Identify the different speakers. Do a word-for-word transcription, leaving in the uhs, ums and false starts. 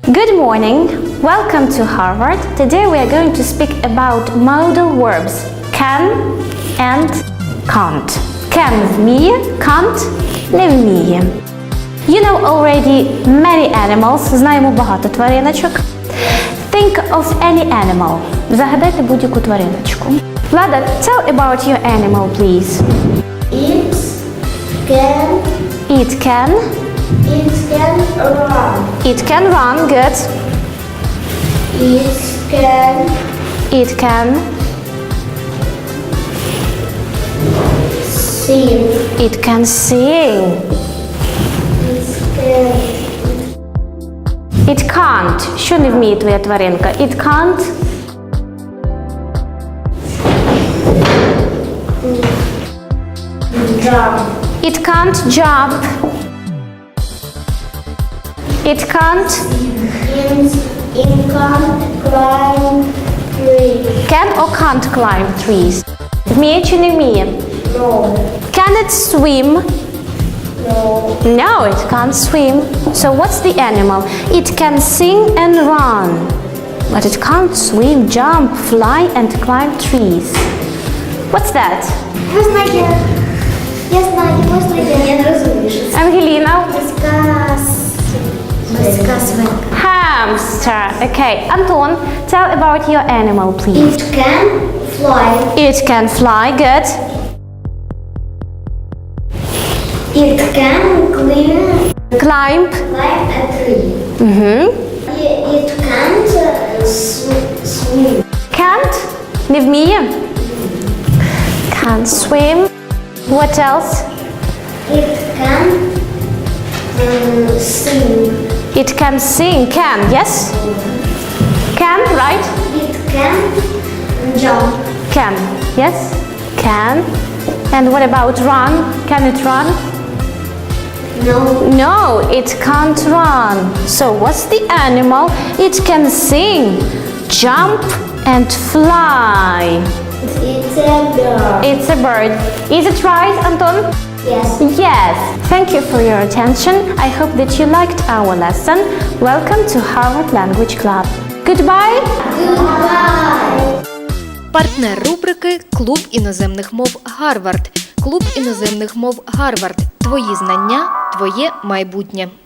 Speaker 1: Good morning. Welcome to Harvard. Today we are going to speak about modal verbs can and can't. Can вміє, can't не вміє. You know already many animals. Знаємо багато твариночок. Think of any animal. Загадайте будь-яку твариночку. Влада, tell about your animal, please.
Speaker 2: It can
Speaker 1: It can.
Speaker 2: it can run.
Speaker 1: It can run. Good.
Speaker 2: It can
Speaker 1: It can.
Speaker 2: sing.
Speaker 1: It can sing.
Speaker 2: It can
Speaker 1: It can't. Що не вміє твоя тваринка? It can't.
Speaker 2: jump.
Speaker 1: It can't jump. It can't.
Speaker 2: It, it can climb tree.
Speaker 1: Can or can't climb trees? Вміє чи не вміє?
Speaker 2: No.
Speaker 1: Can it swim?
Speaker 2: No.
Speaker 1: No, it can't swim. So what's the animal? It can sing and run. But it can't swim, jump, fly and climb trees. What's that?
Speaker 2: Я знаю. Я знаю, можна я не розумію, що це.
Speaker 1: Ангеліна?
Speaker 2: Морська морська свинка.
Speaker 1: Hamster. Okay. Anton, tell about your animal, please.
Speaker 2: It can fly.
Speaker 1: It can fly. Good.
Speaker 2: It can climb
Speaker 1: Climb.
Speaker 2: climb a tree.
Speaker 1: Mhm.
Speaker 2: It, it can't uh, sw- swim.
Speaker 1: Can't. Не вміє. Can't swim. What else?
Speaker 2: It can um, sing.
Speaker 1: It can sing. Can. Yes. Can. Right.
Speaker 2: It can jump.
Speaker 1: Can. Yes. Can. And what about run? Can it run?
Speaker 2: No.
Speaker 1: No, it can't run. So what's the animal? It can sing, jump and fly.
Speaker 2: It's a bird.
Speaker 1: It's a bird. Is it right, Anton?
Speaker 2: Yes.
Speaker 1: Yes. Thank you for your attention. I hope that you liked our lesson. Welcome to Harvard Language Club. Goodbye.
Speaker 2: Goodbye.
Speaker 3: Партнер рубрики «Клуб іноземних мов Гарвард». Клуб іноземних мов Гарвард. Твої знання, твоє майбутнє.